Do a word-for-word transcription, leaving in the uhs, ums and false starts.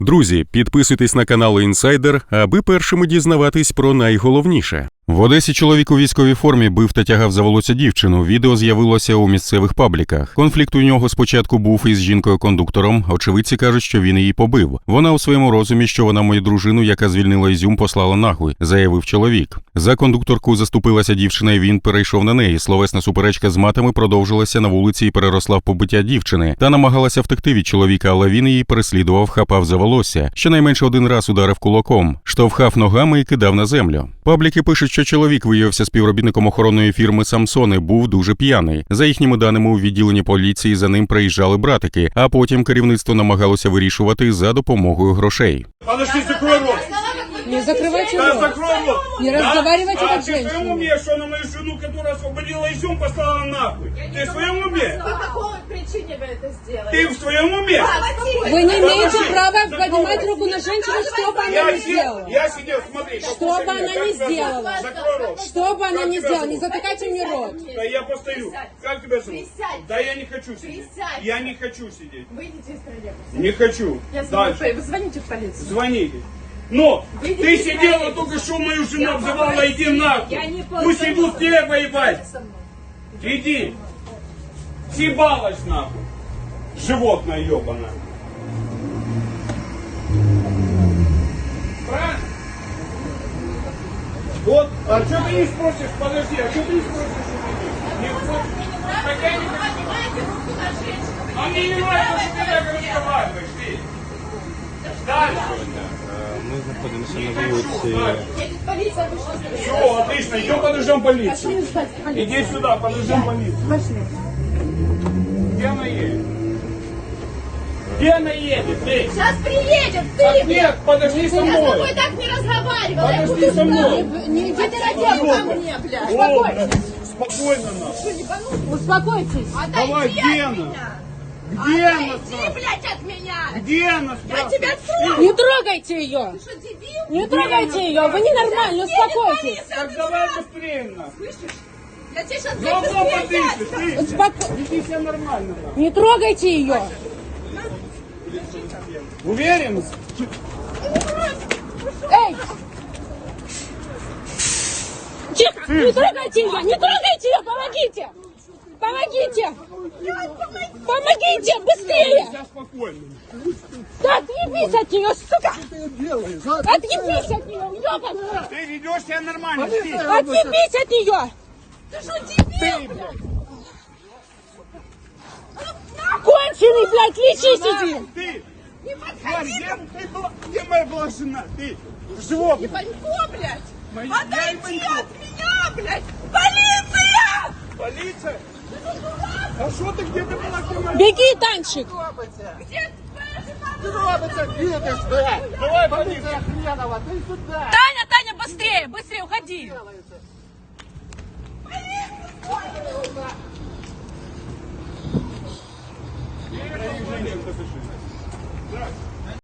Друзі, підписуйтесь на канал Інсайдер, аби першими дізнаватись про найголовніше. В Одесі чоловік у військовій формі бив та тягав за волосся дівчину. Відео з'явилося у місцевих пабліках. Конфлікт у нього спочатку був із жінкою-кондуктором. Очевидці кажуть, що він її побив. Вона у своєму розумі, що вона мою дружину, яка звільнила Ізюм, послала нахуй, заявив чоловік. За кондукторку заступилася дівчина, і він перейшов на неї. Словесна суперечка з матами продовжилася на вулиці і переросла в побиття дівчини. Та намагалася втекти від чоловіка, але він її переслідував, хапав за волосся. Щонайменше один раз ударив кулаком, штовхав ногами і кидав на землю. Пабліки пишуть, що чоловік виявився співробітником охоронної фірми «Самсон» і був дуже п'яний. За їхніми даними, у відділенні поліції за ним приїжджали братики, а потім керівництво намагалося вирішувати за допомогою грошей. Подожди, закрой рот! Не закрывайте Да, рот. закрой рот! Не Да? разговаривайте а, как ты в своем женщина. уме, что на мою жену, которая освободила Изюм, послала нахуй? Ты в своем уме? По какой причине вы это сделали? Ты в своем уме? Вы не имеете Подожди, права закрой поднимать рот. руку на женщину, что бы она Я, ни сидел, сделала. я сидел, смотри. Что послушай бы меня, она как ни тебя зовут? сделала. Закрой рот. Что бы она Как ни тебя сделала, не зовут? затыкайте мне рот. Да я постою. Присядь. Как тебя зовут? Присядь. Да я не хочу сидеть. Присядь. Я не хочу сидеть. Выйдите из троллейбуса. Не хочу. Я с вами Дальше. по- Звоните в полицию. Звоните. Но Выйдите ты из сидела троллейбуса. только что мою жену Я обзывала, попросила. иди нахуй. Я не Пусть попросила. идут те воевать. Со мной. Иди. Съебалась нахуй. Животное ебаное. Правильно? Вот. А что ты не спросишь? Подожди, а что ты не спросишь? Не спросишь? Так я не хочу. Поднимайте руку на женщину. А мне не нравится, что ты так разговариваешь, ты. Дальше. Ми знаходимося Не на хочу. вулиці. Дальше. Едет полиция, вышла с Все, отлично. Идем подождем полицию. Иди сюда, подождем полицию. Пошли. Где она едет? Где она едет? Ты? Сейчас приедет, Так ты! нет, подожди со Я с тобой мной. так не разговаривала. Я Подожди буду со мной. знать. Не иди ко мне, блядь. О, блядь, спокойно нас. Что, не понятно? Успокойтесь. Давай, Отойди где от она? меня. Где она? Отойди, блядь, от меня. Где она? Я спрашиваю? тебя трогаю. Не трогайте ее. Ты что, дебил? Не трогайте ее. Вы ненормальны, успокойтесь. Так давай быстрее нас. Слышишь? Я тебе сейчас Говно подышишь, ты. Успоко- Веди себя нормально. нахуй. Не трогайте ее. Уверен? Эй! Тихо! Не трогайте ее! Не трогайте ее! Помогите! Помогите! Помогите! Быстрее! Я спокойно. Да отъебись от нее, сука! Отъебись от нее, ёбаная! Ты ведешь себя нормально. Ты. Отъебись от нее! Ты что, дебил? Конченый, блядь, лечись иди! Ты. Не Тварь, подходи. где, ты была, где моя была жена? Ты. Животное. Ебанько, блядь. Моя- я Отойди ебанько. от меня, блядь. Полиция! Полиция? А что ты где ты была? Где моя- Беги, Танчик! Где твоя жена? Робиться, видиш, блядь! Давай, полиция. Хренова, ты сюда! Таня, Таня, быстрее! Быстрее, уходи! Женщин, подыши.